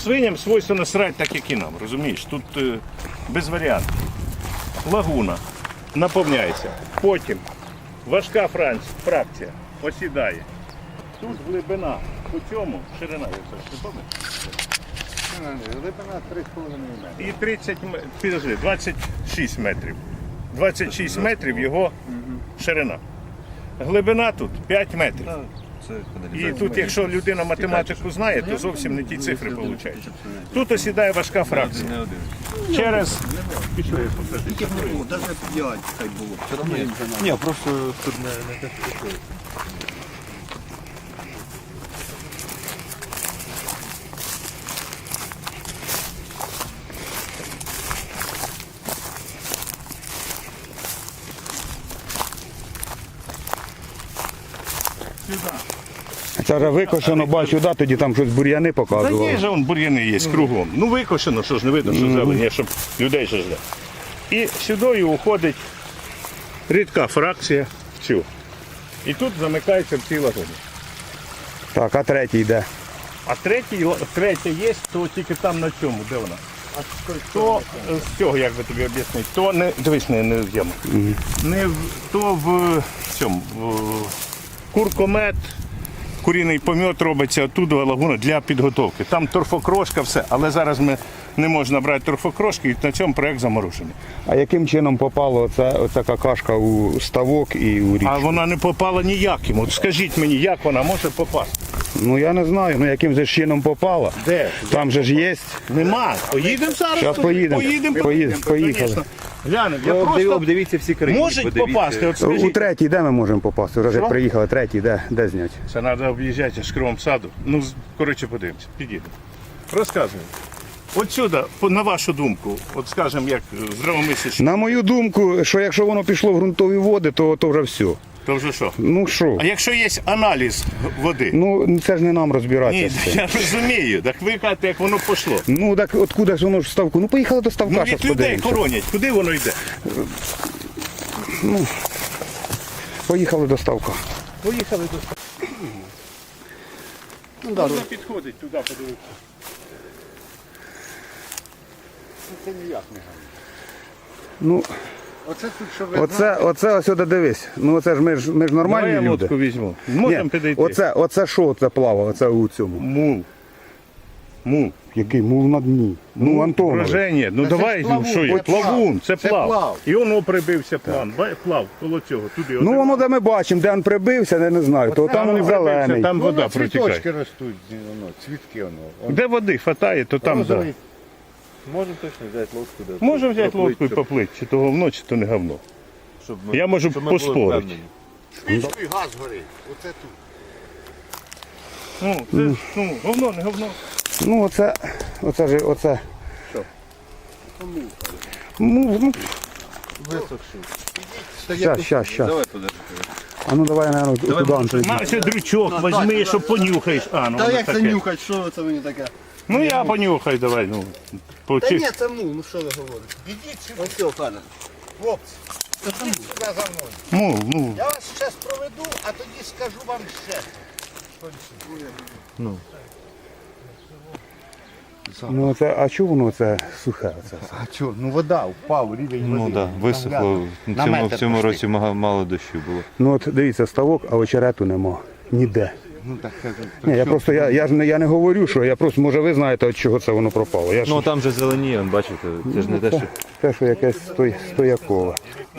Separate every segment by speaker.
Speaker 1: Свиням свойственно срати так, як і нам, розумієш? Тут без варіантів. Лагуна наповняється. Потім важка фракція осідає. Тут глибина. По цьому ширина, я це не пам'ятаю.
Speaker 2: Глибина 3,5 метри.
Speaker 1: І 26 метрів. 26 метрів його ширина. Глибина тут 5 метрів. І тут, якщо людина математику знає, то зовсім не ті цифри виходять. Тут осідає важка фракція. Через... Пішли, я покажу.
Speaker 2: Навіть 5 хай було.
Speaker 3: Ні, просто тут не так.
Speaker 4: Це вже викошено, бачу, да, тоді там щось бур'яни
Speaker 1: Та
Speaker 4: показували.
Speaker 1: є ж вон бур'яни є кругом. Ну викошено, що ж не видно, що зелені, щоб людей ще жде. І сюди уходить рідка фракція в цю. І тут замикається в цій лагоні.
Speaker 4: Так, а третій йде.
Speaker 1: А третя є, то тільки там на цьому, де вона? То з цього, як би тобі об'яснити, то не, дивись, не в яму. Не в, то в цьому, в куркомет, куріний помет робиться, оттуда лагуна для підготовки. Там торфокрошка, все, але зараз ми не можна брати торфокрошки і на цьому проєкт заморожений.
Speaker 4: А яким чином попало оця какашка у ставок і у річку?
Speaker 1: А вона не попала ніяким. От скажіть мені, як вона може попасти?
Speaker 4: Ну я не знаю, ну яким же чином попала.
Speaker 1: Де?
Speaker 4: Там же ж є.
Speaker 1: Нема. Поїдемо зараз?
Speaker 4: Зараз поїдемо. Поїхали.
Speaker 1: Звісно. Глянемо, я просто...
Speaker 3: Обдивіться всі країни.
Speaker 1: Можуть попасти, от
Speaker 4: У
Speaker 1: скажіть.
Speaker 4: третій де ми можемо попасти? Вже
Speaker 1: Що?
Speaker 4: приїхали, третій, де зняти?
Speaker 1: Це треба об'їжджати з кривом саду. Ну, коротше, подивимося, підійдемо. Розказуємо. Отсюди, на вашу думку, от скажемо, як здравомислящий,
Speaker 4: На мою думку, що якщо воно пішло в ґрунтові води, то вже все.
Speaker 1: то вже що?
Speaker 4: Ну що?
Speaker 1: А якщо є аналіз води?
Speaker 4: Ну це ж не нам розбиратися.
Speaker 1: Ні,
Speaker 4: з цим.
Speaker 1: я розумію. Так ви кажете, як воно пішло.
Speaker 4: Ну так откуда ж воно ж в ставку? Ну поїхали до ставка,
Speaker 1: Ну,
Speaker 4: щас
Speaker 1: від людей
Speaker 4: подивимося.
Speaker 1: хоронять. Куди воно йде?
Speaker 4: Поїхали до ставка.
Speaker 1: Поїхали до Можна підходить туди, подивитися.
Speaker 2: Це ніяк не гарно.
Speaker 4: Ну,
Speaker 2: Оце тут, що ви
Speaker 4: оце ось сюди дивись. Ну оце ж ми ж нормальні
Speaker 1: Давай я
Speaker 4: люди.
Speaker 1: лодку візьму. Можемо
Speaker 4: Ні,
Speaker 1: підійти.
Speaker 4: оце що це плавало, оце у цьому?
Speaker 1: Мул. Мул.
Speaker 4: Який мул на дні. Ну, Антонович.
Speaker 1: Враження. Ну
Speaker 2: Та це
Speaker 1: давай,
Speaker 2: ж
Speaker 1: ну
Speaker 2: плавун,
Speaker 1: що є?
Speaker 2: це плав.
Speaker 1: Плавун, це
Speaker 2: Це
Speaker 1: плав.
Speaker 2: плав.
Speaker 1: І воно прибився план. Плав коло цього. Туди
Speaker 4: Ну воно де ми бачимо, де він прибився, не знаю, то там він зелений.
Speaker 1: Там вода
Speaker 2: цвіточки
Speaker 1: протікає.
Speaker 2: ростуть, воно, цвітки воно.
Speaker 1: Де води хватає, то там да.
Speaker 2: Розовий.
Speaker 3: Можемо точно взяти лодку. Да,
Speaker 1: Може взяти
Speaker 3: проплить,
Speaker 1: лодку і
Speaker 3: щоб-
Speaker 1: поплити, чи то говно, чи то не говно.
Speaker 3: щоб ми-
Speaker 1: Я можу
Speaker 3: щоб ми були
Speaker 1: поспорити.
Speaker 3: впевнені.
Speaker 2: Свічкою газ горить. Оце тут.
Speaker 1: Ну, це говно, не говно.
Speaker 4: Ну оце.
Speaker 1: Що?
Speaker 4: Ну,
Speaker 3: Висохши.
Speaker 4: щас.
Speaker 3: Давай подержи.
Speaker 4: А ну давай, наверное, туди Антон.
Speaker 1: На, ще дрючок візьми, щоб понюхаєш. А, ну
Speaker 2: Та
Speaker 1: воно
Speaker 2: як це
Speaker 1: таке.
Speaker 2: нюхать, що це мені таке?
Speaker 1: Ну я понюхай, давай. Ну,
Speaker 2: Та ні, це мул, ну що ви говорите? Ідіть сюди. Ось цього, пане. Хлопці, ідіть сюди за мною.
Speaker 1: Ну,
Speaker 2: Я вас зараз проведу, а тоді скажу вам ще.
Speaker 4: Ну оце, а чого воно це сухе? Оце?
Speaker 2: А чого? Ну вода, впав рівень води.
Speaker 3: Ну так, висохло.
Speaker 2: На метр
Speaker 3: В цьому
Speaker 2: пішли.
Speaker 3: році мало дощу було.
Speaker 4: Ну от дивіться, ставок, а очерету нема. Ніде.
Speaker 2: Ну так,
Speaker 4: Ні, я просто я не говорю, що я просто, може ви знаєте, від чого це воно пропало. Я ж,
Speaker 3: Ну там же зеленіє, бачите, це ж не те, що...
Speaker 4: те, що якесь стоякове.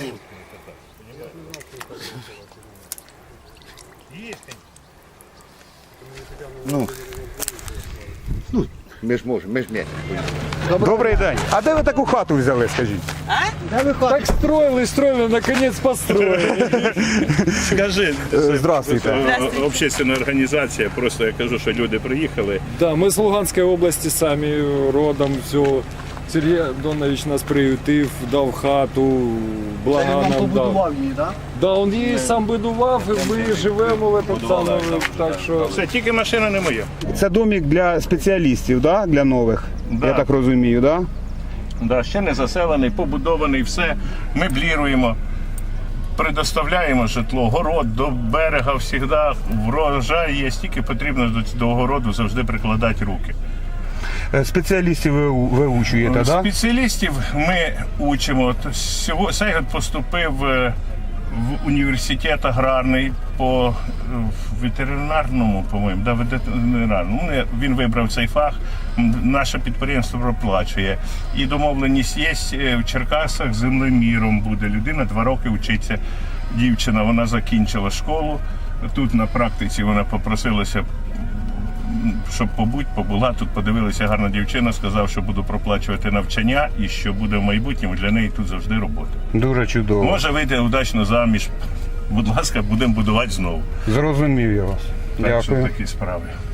Speaker 2: ми ж можемо, ми ж не.
Speaker 4: Добрий день. А де ви таку хату взяли, скажіть?
Speaker 5: Так строили, наконец построили.
Speaker 1: скажи.
Speaker 4: Здравствуйте.
Speaker 1: Общественна організація, просто я кажу, що люди приїхали.
Speaker 5: Да, мы с Луганской области сами родом, все. Сергій Донович нас приютив, дав хату, блага нам дав.
Speaker 2: її, так?
Speaker 5: Да, він її сам будував, і ми живемо в этом самому, так що...
Speaker 1: Все, тільки машина не моя.
Speaker 4: Це домик для спеціалістів, да? Для нових,
Speaker 1: Да.
Speaker 4: я так розумію, да?
Speaker 1: Да, ще не заселений, побудований, все. Мебліруємо, предоставляємо житло, город до берега завжди, врожай є, тільки потрібно до городу завжди прикладати руки.
Speaker 4: спеціалістів ви виучуєте, так? Да?
Speaker 1: Спеціалістів ми учимо. От Сейгот поступив в університет аграрний по ветеринарному, по-моєму, да, ветеринарному. Він вибрав цей фах, наше підприємство проплачує. І домовленість є в Черкасах, землеміром буде людина, 2 роки вчиться. Дівчина, вона закінчила школу. Тут на практиці вона попросилася, щоб побула, тут подивилася гарна дівчина, сказав, що буду проплачувати навчання і що буде в майбутньому для неї тут завжди робота.
Speaker 4: Дуже чудово.
Speaker 1: Може вийти удачно заміж. Будь ласка, будемо будувати знову.
Speaker 4: Зрозумів я вас.
Speaker 1: Так що
Speaker 4: Дякую.
Speaker 1: такі справи.